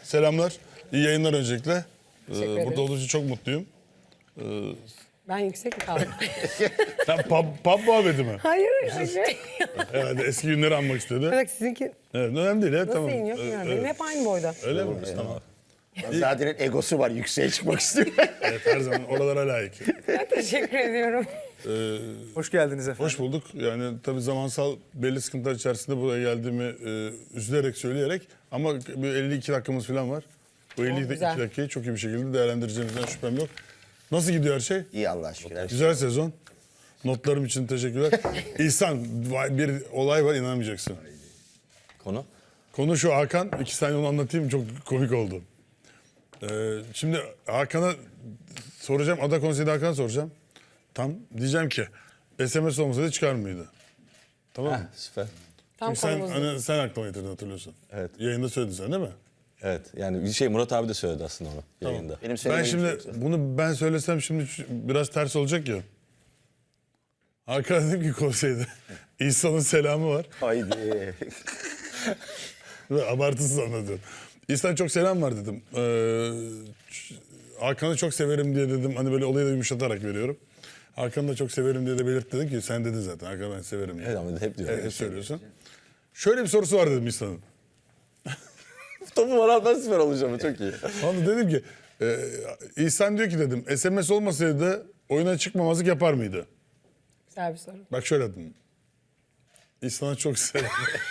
Selamlar. İyi yayınlar öncelikle. Teşekkür ederim. Burada olduğum için çok mutluyum. Ben yüksek mi kaldım? Sen pub muhabbeti mi? Hayır. Hayır. Herhalde eski günleri anmak istedi. Bak sizinki Evet, önemli değil. Evet, nasıl tamam. iniyor bilmiyorum. Benim hep aynı boyda. Öyle mi? Tamam. Zaten egosu var, yükseğe çıkmak istiyor. Evet, her zaman oralara layık. Ben teşekkür ediyorum. Hoş geldiniz efendim. Hoş bulduk. Yani tabii zamansal belli sıkıntılar içerisinde buraya geldiğimi üzülerek söyleyerek ama bir 52 dakikamız falan var. Bu 52 güzel. dakikayı çok iyi bir şekilde değerlendireceğimizden şüphem yok. Nasıl gidiyor her şey? İyi Allah'a şükür. Güzel sezon. Notlarım için teşekkürler. İhsan, bir olay var, inanamayacaksın. Konu? Konu şu: Hakan. 2 saniye onu anlatayım, çok komik oldu. Şimdi Hakan'a soracağım, Ada Konseyi'de Hakan'a soracağım. Tam diyeceğim ki SMS olmasaydı çıkar mıydı? Tamam mı? Süper. Tam Çünkü sen, konumuz. sen aklıma getirdin, hatırlıyorsun. Evet. Yayında söyledin sen değil mi? Evet, yani bir şey Murat abi de söyledi aslında onu yayında. Benim Ben söylemediğim şimdi şey yoksa. bunu ben söylesem şimdi biraz ters olacak ya. Hakan dedim ki konseyde İhsan'ın selamı var. Haydi. Ve abartısız anlatıyorum. İhsan çok selam var dedim. Hakan'ı çok severim diye dedim. Hani böyle olayı da yumuşatarak veriyorum. Hakan'ı da çok severim diye de belirt dedim ki sen dedin zaten. Hakan'ı ben severim diye. Evet ama hep diyor. Evet, hep söylüyorsun. Şöyle bir sorusu var dedim İhsan'ın. Topu var ben süper olacağım çok iyi. Onu dedim ki İhsan diyor ki dedim SMS olmasaydı oyuna çıkmamazlık yapar mıydı? Güzel bir soru. Bak şöyle dedim. İhsan'a çok selam.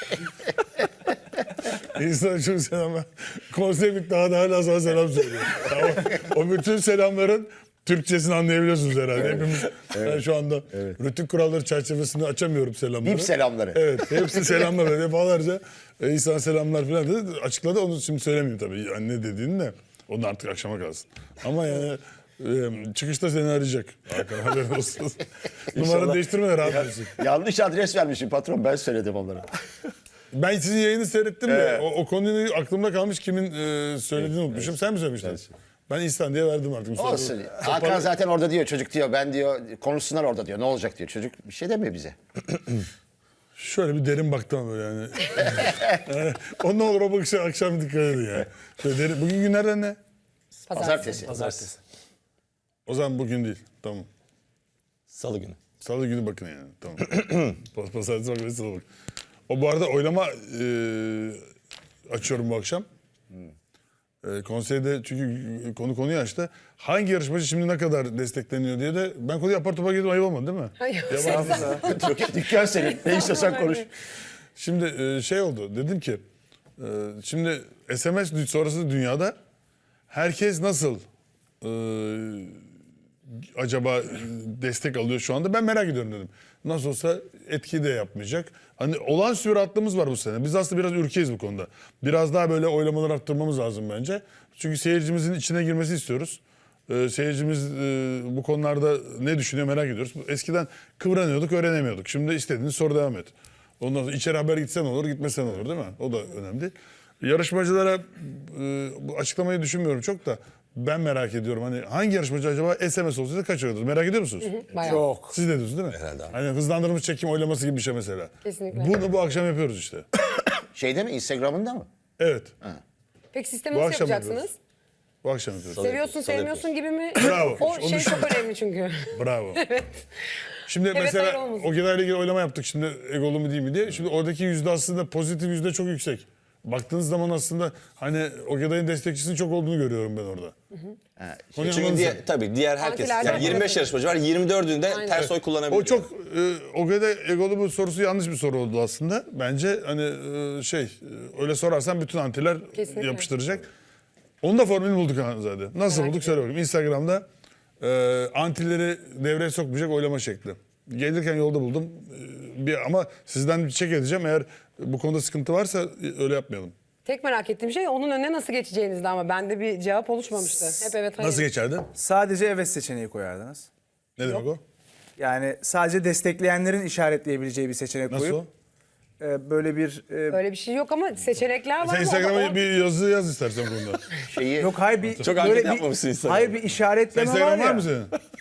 İhsan'a çok selam. Konsey bitti, daha da hala sana selam söylüyor. Tamam. O bütün selamların Türkçesini anlayabiliyorsunuz herhalde. Hepimiz ben şu anda rutin kuralları çerçevesinde açamıyorum selamları. Bip selamları. Evet, hepsi selamlar böyle defalarca İhsan selamlar falan dedi. Açıkladı, onu şimdi söylemeyeyim tabii. Yani ne dediğini de onu artık akşama kalsın. Ama yani çıkışta seni arayacak. Hakan, haberin olsun. Numaranı değiştirme de rahat olsun. Yanlış adres vermişim patron, ben söyledim onlara. Ben sizin yayını seyrettim de o konuyu aklımda kalmış, kimin söylediğini unutmuşum. Sen mi söylemiştin? Ben İhsan diye verdim artık. Olsun. Hakan zaten orada diyor, çocuk diyor, ben diyor, konuşsunlar orada diyor, ne olacak diyor. Çocuk bir şey demiyor bize. Şöyle bir derin baktım ama böyle yani. Yani o ne olur o bakışa akşam dikkat edin ya. Şöyle derin. Bugün günlerden ne? Pazartesi. Pazartesi. O zaman bugün değil. Tamam. Salı günü. Salı günü bakın yani. Tamam. Pazartesi bakın, salı bakın. O bu arada oylama açıyorum bu akşam. Konseyde çünkü konuyu açtı. Hangi yarışmacı şimdi ne kadar destekleniyor diye de ben konuyu apar topar girdim, ayıp olmadı değil mi? Hayır. Dükkan senin. Ne istiyorsan konuş. Şimdi şey oldu. Dedim ki şimdi SMS sonrası dünyada herkes nasıl acaba destek alıyor şu anda? Ben merak ediyorum dedim. Nasıl olsa etki de yapmayacak. Hani olağanüstü bir rahatlığımız var bu sene. Biz aslında biraz ürkeyiz bu konuda. Biraz daha böyle oylamaları arttırmamız lazım bence. Çünkü seyircimizin içine girmesi istiyoruz. Seyircimiz bu konularda ne düşünüyor merak ediyoruz. Eskiden kıvranıyorduk, öğrenemiyorduk. Şimdi istediğiniz soru devam et. Ondan sonra içeri haber gitsen olur, gitmesen olur değil mi? O da önemli. Yarışmacılara bu açıklamayı düşünmüyorum çok da. Ben merak ediyorum, hani hangi yarışmacı acaba SMS olsaydı kaç alırdı? Merak ediyor musunuz? Bayağı. Çok. Siz de diyorsunuz değil mi? Herhalde abi. Hani hızlandırılmış çekim oylaması gibi bir şey mesela. Kesinlikle. Bunu bu akşam yapıyoruz işte. Şeyde mi, Instagram'ında mı? Evet. Peki sistemi Bu nasıl akşam yapacaksınız? Bu akşam yapıyoruz. Seviyorsun, Salı sevmiyorsun gibi mi? Bravo. O Onu şey düşün. çok önemli çünkü. Bravo. Şimdi hayır mesela olmasın. Ogeda ile ilgili oylama yaptık şimdi, egolu mu değil mi diye. Şimdi oradaki yüzde aslında pozitif yüzde çok yüksek. Baktığınız zaman aslında hani Ogeda'nın destekçisinin çok olduğunu görüyorum ben orada. Konuyu Çünkü anladınız mı? tabii diğer herkes, Antilerden yani 25 tabii. yarışmacı var, 24'ünde Aynen. ters oy kullanabiliyor. O çok Ogeda egolu bu sorusu yanlış bir soru oldu aslında. Bence hani öyle sorarsan bütün antiler Kesinlikle. yapıştıracak. Onun da formülünü bulduk zaten. Nasıl Merak bulduk söyle bakayım. Instagram'da antileri devreye sokmayacak oylama şekli. Gelirken yolda buldum. Ama sizden bir çek edeceğim. Eğer bu konuda sıkıntı varsa öyle yapmayalım. Tek merak ettiğim şey onun önüne nasıl geçeceğinizdi ama bende bir cevap oluşmamıştı. Hep evet hayır. Nasıl geçerdi? Sadece evet seçeneği koyardınız. Ne demek o? Yani sadece destekleyenlerin işaretleyebileceği bir seçenek Nasıl koyup böyle bir Böyle bir şey yok ama seçenekler var. Sen ama Instagram'a bir yazı yaz istersen bu konuda. Şeyi, yok hayır bir Çok böyle hareket bir yapmamışsın Instagram'da. hayır bir işaretleme var Instagram ya. var mı senin?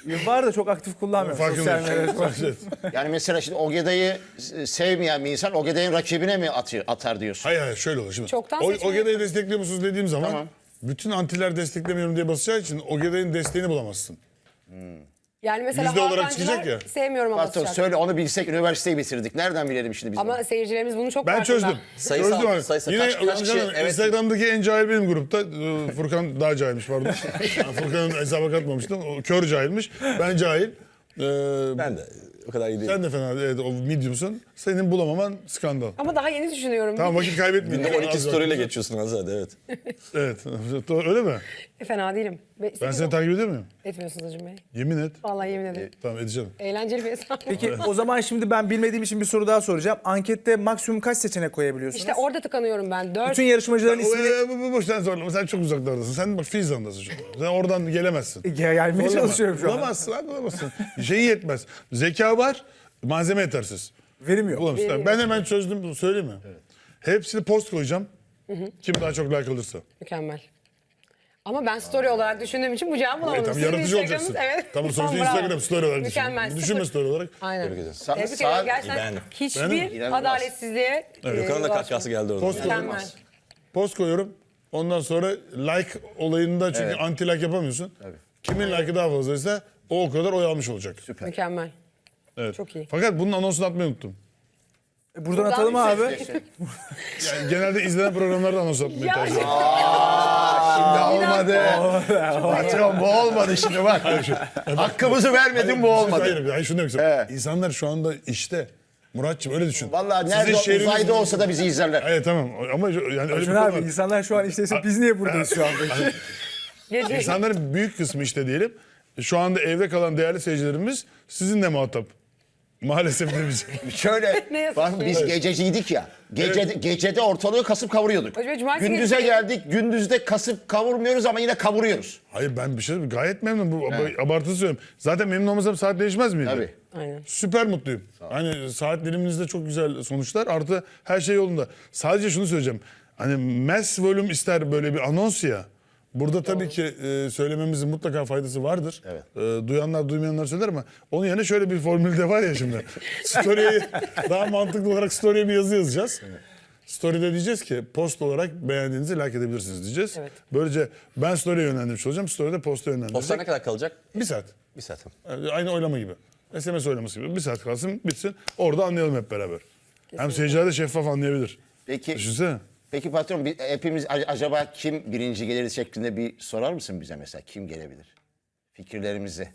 Var da çok aktif kullanmıyorum sosyal medyada. Farkındayım. Yani mesela şimdi Ogeday'ı sevmeyen bir insan Ogeday'ın rakibine mi atar diyorsun? Hayır şöyle olur şimdi. Çoktan O seçmeye- Ogeday'ı destekliyor musunuz dediğim zaman Tamam. bütün antiler desteklemiyorum diye basacağı için Ogeday'ın desteğini bulamazsın. Yani mesela Yüzde olarak Hakan'cılar çıkacak ya. sevmiyorum ama Patron basacak. söyle onu bilsek üniversiteyi bitirdik. Nereden bilelim şimdi biz bunu? Ama seyircilerimiz bunu çok Ben farkında. çözdüm. Sayısal- Çözdüm abi. sayısal. Yine Kaç kişi? Evet. Instagram'daki en cahil benim grupta. Furkan daha cahilmiş pardon. Furkan'ın hesaba katmamıştım. O kör cahilmiş. Ben cahil. Ben de o kadar iyi değilim. Sen de fena evet, o mediumsun. Senin bulamaman skandal. Ama daha yeni düşünüyorum. Tamam vakit kaybetmeyin. Günde 12 Az story ile vakit. geçiyorsun Azade, evet. Evet. Öyle mi? Fena değilim. Ben seni takip ediyor muyum? Etmiyorsunuz Acun Bey. Yemin et. Vallahi yemin ederim. Tamam edeceğim. Eğlenceli bir hesap. Peki o zaman şimdi ben bilmediğim için bir soru daha soracağım. Ankette maksimum kaç seçenek koyabiliyorsunuz? İşte orada tıkanıyorum ben. 4. Bütün yarışmacıların ismini Bu boştan zorlama. Sen çok uzaklardasın. Sen bak Fizan'dasın şu an. Sen oradan gelemezsin. gelmeye çalışıyorum şu an. Bulamazsın abi bulamazsın. Şeyi yetmez. Zeka var, malzeme yetersiz. Verim yok. Bulamazsın. Ben hemen çözdüm, söyleyeyim mi? Hepsini post koyacağım. Kim daha çok like alırsa. Mükemmel. Ama ben story olarak düşündüğüm için bu cevabı bulamadım. Tamam, Sizin yaratıcı Instagram'ınız- olacaksın. Evet. Tamam sonuçta Bravo. Instagram story olarak düşün. Mükemmel. Düşünme Sıfır. story olarak. Aynen. Tebrik ederim. Tebrik Saat- ederim. Gerçekten beğendim. hiçbir İnanılmaz. adaletsizliğe Gökhan'ın da ulaşmadım. kahkahası geldi orada. Post Mükemmel. koyuyorum. Post koyuyorum. Ondan sonra like olayında çünkü anti like yapamıyorsun. Kimin like'ı daha fazlaysa o kadar oy almış olacak. Mükemmel. Evet. Çok iyi. Fakat bunun anonsunu atmayı unuttum. Buradan atalım abi. Yani genelde izlenen programlarda anons atmayı Ya. tercih ediyorum. Şimdi olmadı. Patron bu olmadı şimdi bak. Hakkımızı vermedin bu olmadı. Hayır şunu demek istiyorum. İnsanlar şu anda işte. Muratçım öyle düşün. Vallahi Sizin nerede şehriniz- uzayda olsa da bizi izlerler. Hayır tamam ama yani öyle bir Acun konu abi var. insanlar şu an işteyse biz niye buradayız şu an peki? Gece. İnsanların büyük kısmı işte diyelim. Şu anda evde kalan değerli seyircilerimiz sizinle muhatap. Maalesef de biz. Şöyle Ne yazık bak ki. biz gececiydik ya. Gecede ortalığı kasıp kavuruyorduk. Hocam, cumartesi Gündüze gecesi- geldik. Gündüzde kasıp kavurmuyoruz ama yine kavuruyoruz. Hayır ben bir şey gayet memnunum. Bu abartılı söylüyorum. Zaten memnun olmasam saat değişmez miydi? Tabii. Aynen. Süper mutluyum. Hani saat diliminizde çok güzel sonuçlar. Artı her şey yolunda. Sadece şunu söyleyeceğim. Hani mass volume ister böyle bir anons ya. Burada tabii ki söylememizin mutlaka faydası vardır. Duyanlar duymayanlar söyler ama onun yerine şöyle bir formül de var ya şimdi. Story'ye daha mantıklı olarak story'ye bir yazı yazacağız. Story'de diyeceğiz ki post olarak beğendiğinizi like edebilirsiniz diyeceğiz. Evet. Böylece ben story'e yönlendirmiş olacağım. Story'de posta Postlar yönlendirecek. ne kadar kalacak? Bir saat. Bir saat. Yani aynı oylama gibi. SMS oylaması gibi. Bir saat kalsın bitsin. Orada anlayalım hep beraber. Hem seyirciler de şeffaf anlayabilir. Peki, Düşünsene. peki patron hepimiz acaba kim birinci gelir şeklinde bir sorar mısın bize mesela? Kim gelebilir? Fikirlerimizi.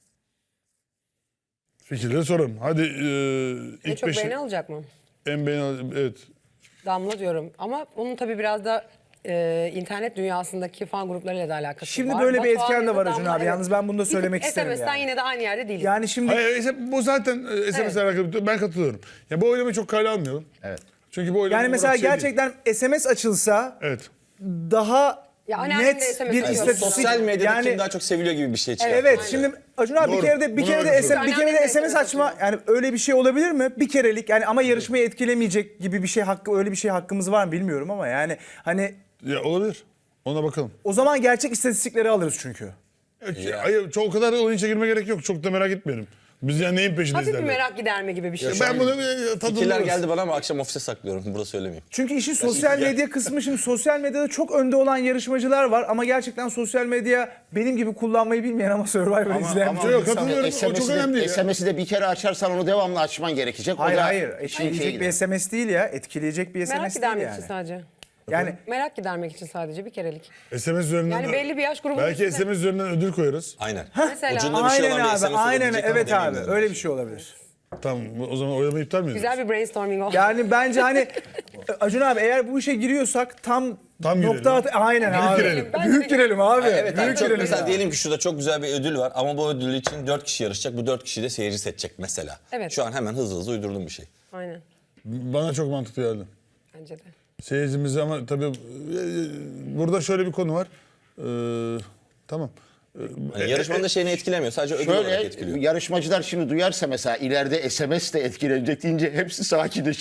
Fikirleri soralım. Hadi En ilk çok beşi. beğeni alacak mı? En beğeni evet. Damla diyorum. Ama onun tabii biraz da internet dünyasındaki fan gruplarıyla da alakası Şimdi var. böyle bir Batuhan etken de ya da var Acun Damla, abi. Yalnız ben bunu da Bir tık söylemek isterim SMS'ten yani. yine de aynı yerde değiliz. Yani şimdi Hayır, bu zaten SMS'le alakalı. Ben katılıyorum. Ya bu oylamayı çok kale almayalım. Evet. Çünkü bu oylama yani mesela olarak şey değil. gerçekten SMS açılsa Evet. daha Ya anneannem de net SMS bir atıyor. istatistik. Sosyal medyada yani, kim daha çok seviliyor gibi bir şey çıkar. Evet şimdi Acun abi Doğru. bir kere de Buna katılıyorum. bir kere de Anneannem de SMS açma atıyor. yani öyle bir şey olabilir mi? Bir kerelik yani ama yarışmayı etkilemeyecek gibi bir şey öyle bir şey hakkımız var mı bilmiyorum ama yani hani Ya olabilir. Ona bakalım. o zaman gerçek istatistikleri alırız çünkü. Hayır, çok o kadar da oyun çekilme gerek yok. Çok da merak etmeyelim. Biz yani neyin peşindeyiz Hafif bir derler. merak giderme gibi bir şey. Ben bunu bir Fikirler tadımlarız. geldi bana ama akşam ofise saklıyorum. Burada söylemeyeyim. Çünkü işin sosyal medya kısmı şimdi sosyal medyada çok önde olan yarışmacılar var ama gerçekten sosyal medya benim gibi kullanmayı bilmeyen ama Survivor izleyen bir Yok, insan. katılıyorum. O çok önemli değil ya. SMS'i de bir kere açarsan onu devamlı açman gerekecek. O Hayır da hayır işin etkileyecek şeyi bir gider. SMS değil ya etkileyecek bir Merak SMS değil gidermek yani. için sadece. Yani Merak gidermek için sadece bir kerelik. SMS üzerinden Yani belli bir yaş grubunun belki üstünde. SMS üzerinden ödül koyarız. Aynen. Mesela. Ucunda bir şey aynen olan bir abi SMS aynen olabilecek ama evet abi demeyeyim öyle bir şey olabilir. Tamam o zaman oylamayı iptal mi ediyoruz? Güzel bir brainstorming oldu. Yani bence hani Acun abi eğer bu işe giriyorsak tam girelim. aynen Büyük abi. girelim. Büyük girelim abi. Evet abi, Büyük çok, girelim. mesela ya. diyelim ki şurada çok güzel bir ödül var ama bu ödül için 4 kişi yarışacak. Bu 4 kişi de seyirci seçecek mesela. Evet. Şu an hemen hızlı uydurduğum bir şey. Aynen. Bana çok mantıklı geldi. Bence de. Seyircimiz ama tabii burada şöyle bir konu var. Tamam. Hani yarışmanın da şeyini etkilemiyor. Sadece ödül olarak Şöyle etkiliyor. yarışmacılar şimdi duyarsa mesela ileride SMS de etkilenecek deyince hepsi sakinleşir.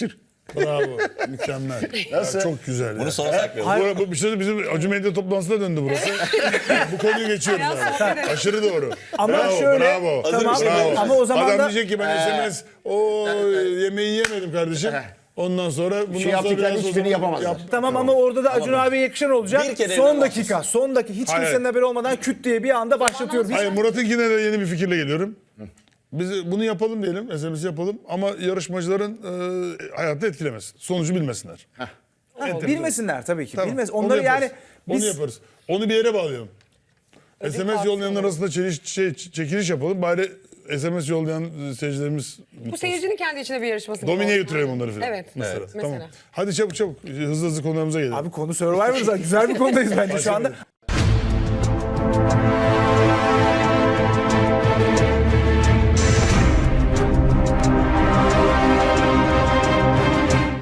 Bravo. Mükemmel. Nasıl? Ya, çok güzel. Bunu ya. sona saklayalım. Bu bir şey bizim Acı Medya toplantısına döndü burası. Bu konuyu geçiyoruz Ayağı abi. sohbet edelim. Aşırı doğru. Ama bravo, şöyle- bravo. Tamam, bravo. ama o zaman Adam da- diyecek ki ben SMS yemeği yemedim kardeşim. Ondan sonra bundan sonra yaptıkların biraz o hiçbirini zaman yapamazlar. Tamam ama orada da Acun abiye yakışan olacak. Bir kere Son evlen dakika, son dakika. Hiç Hayır. kimsenin haberi olmadan küt diye bir anda başlatıyoruz. Hayır Murat'ınkine de yeni bir fikirle geliyorum. Biz bunu yapalım diyelim, SMS yapalım ama yarışmacıların hayatını etkilemesin. Sonucu bilmesinler. Bilmesinler tabii ki. Tamam, Bilmez. onu Onları yaparız. yani Onu biz yaparız. Onu bir yere bağlayalım. SMS kartı yollayanlar olur. arasında çekiliş yapalım. Bari SMS yollayan seyircilerimiz Bu seyircinin kendi içinde bir yarışması. gibi Domine'ye olsun. götürelim onları falan. Evet. Mesela. Evet. Tamam. Mesela. Hadi çabuk hızlı konularımıza gelelim. abi konu Survivor'da güzel bir konudayız bence şu anda.